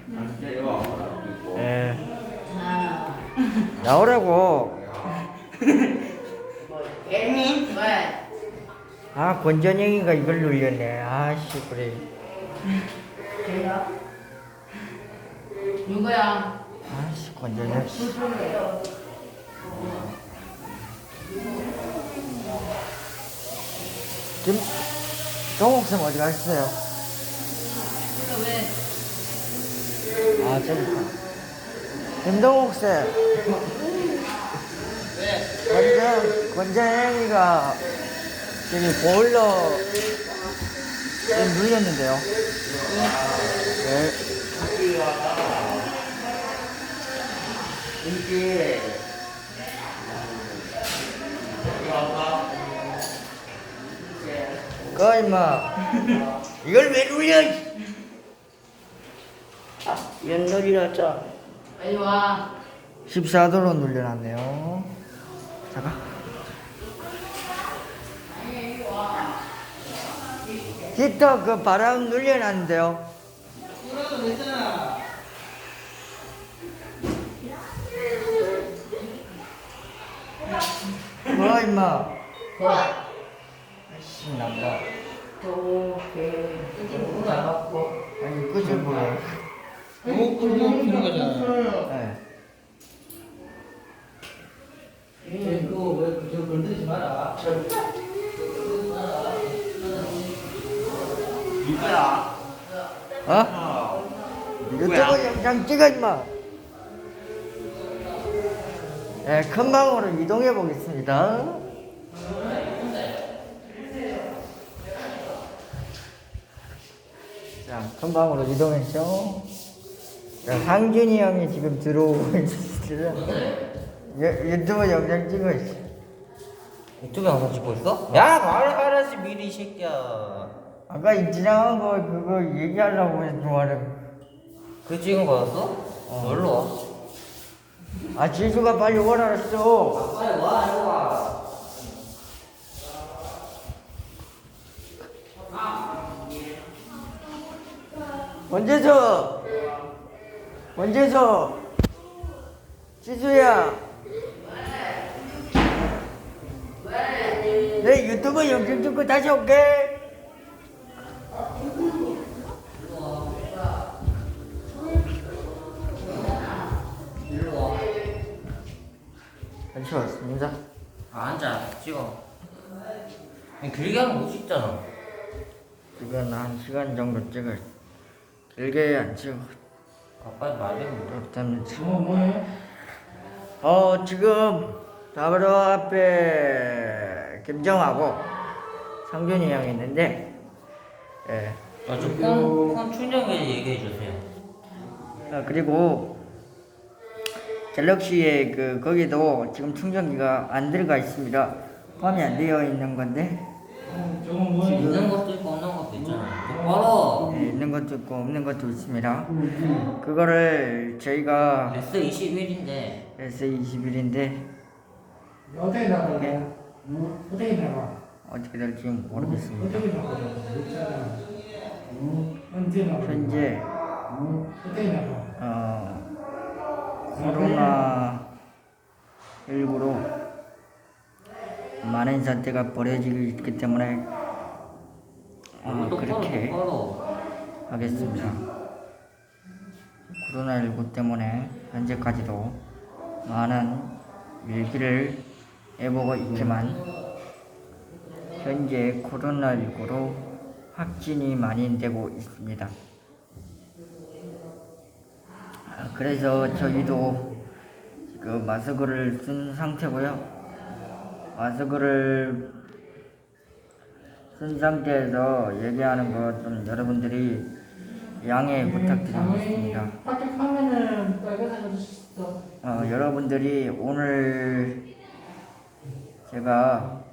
예. 나오라고. 예린? 왜? 아, 권전영이가 이걸 눌렸네. 아씨, 그래. 걔야? 누구야? 아씨, 권전영. 동욱쌤 어디 가셨어요? 왜? 아, 저기. 김동욱쌤. 권전영이가 저기 보일러 좀 눌렸는데요. 네. 이게 그 임마 이걸 왜 눌려? 연놀이라자. 빨리 와. 14도로 눌려놨네요. 잠깐. 히터 그 바람 눌려놨는데요. 뭐 임마? 아이씨 난다. 아니 끝을 몰라. 피는 거잖아. 네. 그거 왜 그저 건드리지 마라. 누구야? 어? 유튜브 누구야? 영상 찍어 임마. 네, 큰 방으로 이동해 보겠습니다. 자, 큰 방으로 이동했죠. 자, 상준이 형이 지금 들어오고 있습니다. 유튜브 영상 찍고 있어. 유튜브 영상 찍고 있어? 야 말하라지 미리 이 새끼야. 아까 이 지나간 거 그거 얘기하려고 해서 말해. 그 찍은 거였어? 놀러 와. 아, 지수가 빨리 오라 그랬어. 빨리 와 이리 와. 원재서, 원재서, 지수야. 내 유튜브 영상 찍고 다시 올게. 다시 왔습니다. 앉아 찍어. 길게 하면 못 찍잖아. 지금 한 시간 정도 찍어. 길게 안 찍어. 빨리 말좀 그렇다면 찍어. 뭐해? 지금 바로 앞에 김정하고 상준이 형이 있는데, 예. 폰 충전기 얘기해 주세요. 그리고 갤럭시에 거기도 지금 충전기가 안 들어가 있습니다. 포함이 안 되어 있는 건데, 저건 뭐해? 있는 것도 있고 없는 것도 있잖아. 똑바로. 예, 있는 것도 있고 없는 것도 있습니다. 그거를 저희가 S21인데 S21인데 어떻게 나가냐? 어떻게 나가? 어떻게 될지 모르겠습니다. 어떻게 나가? 있잖아. 언제 나가? 현재 어떻게 나가? 코로나19로 많은 사태가 벌어지고 있기 때문에 그렇게 하겠습니다. 코로나19 때문에 현재까지도 많은 일기를 해보고 있지만 현재 코로나19로 확진이 많이 되고 있습니다. 그래서 저희도 지금 마스크를 쓴 상태고요. 마스크를 쓴 상태에서 얘기하는 거 좀 여러분들이 양해 부탁드리겠습니다. 밖에 화면을 빨간색으로 줬어. 여러분들이 오늘 제가